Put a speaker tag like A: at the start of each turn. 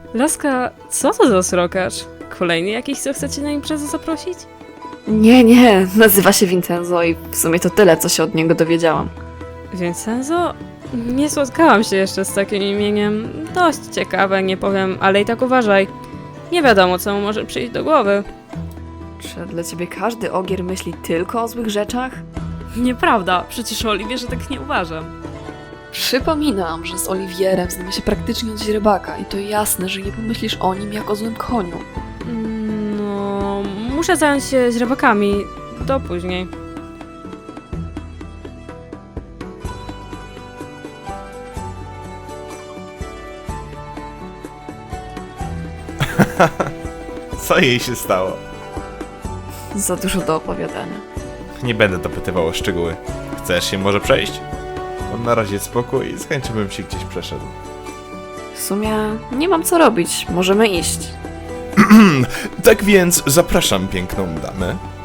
A: Laska, co to za srokacz? Kolejny jakiś, co chcecie na imprezę zaprosić?
B: Nie, nazywa się Vincenzo i w sumie to tyle, co się od niego dowiedziałam.
A: Vincenzo? Nie spotkałam się jeszcze z takim imieniem. Dość ciekawe, nie powiem, ale i tak uważaj. Nie wiadomo, co mu może przyjść do głowy.
B: Czy dla ciebie każdy ogier myśli tylko o złych rzeczach?
A: Nieprawda, przecież o Oliwie, że tak nie uważam.
B: Przypominam, że z Oliwierem znamy się praktycznie od źrebaka i to jasne, że nie pomyślisz o nim jak o złym koniu.
A: No, muszę zająć się źrebakami. Do później.
C: Co jej się stało?
B: Za dużo do opowiadania.
C: Nie będę dopytywał o szczegóły. Chcesz się może przejść? Mam na razie spokój i z chęcią bym się gdzieś przeszedł.
B: W sumie nie mam co robić, możemy iść.
C: Tak więc zapraszam piękną damę.